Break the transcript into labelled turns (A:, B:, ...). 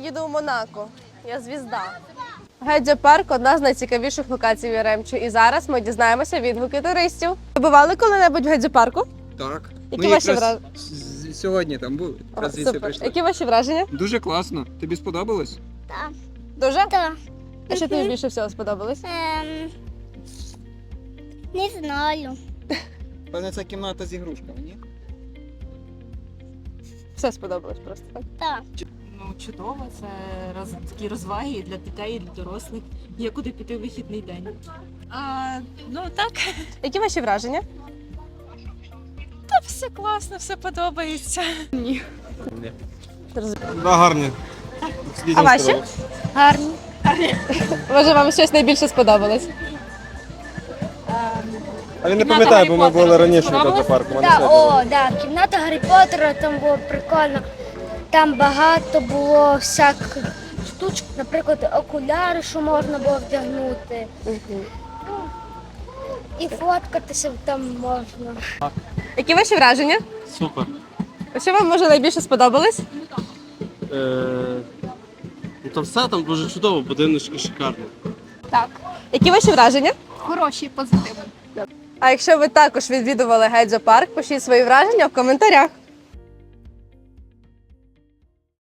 A: їду в Монако. Я звізда. Гедзя-парк – одна з найцікавіших локацій в Яремчу. І зараз ми дізнаємося відгуки туристів. Ви бували коли-небудь в Гедзя-парку?
B: Так.
A: Які ваші враження?
B: Сьогодні там були. Якраз звідси прийшли.
A: Які ваші враження?
B: Дуже класно. Тобі сподобалось?
C: Так.
A: Дуже?
C: Так.
A: А що тобі більше всього сподобалось?
C: Не знаю.
B: Певне, це кімната з ігрушками, ні?
A: Все сподобалось просто, так?
C: Так.
D: Ну, чудово, це такі розваги і для дітей, і для дорослих. Є куди піти в вихідний день. Ну так,
A: Які ваші враження?
D: та все класно, все подобається.
E: Да, гарні.
A: А ваші?
C: Гарні.
A: Може, вам щось найбільше сподобалось?
E: А він не пам'ятає, бо ми були раніше в Гедзя-парку.
C: Кімната Гаррі Поттера, там було прикольно. Там багато було всяких штучок, наприклад, окуляри, що можна було вдягнути. І фоткатися там можна.
A: Які ваші враження?
E: Супер.
A: А що вам, може, найбільше сподобалось?
E: Там все там дуже чудово, будиночки шикарні.
A: Які ваші враження?
C: Хороші, позитивні.
A: А якщо ви також відвідували Гедзя-парк, пишіть свої враження в коментарях.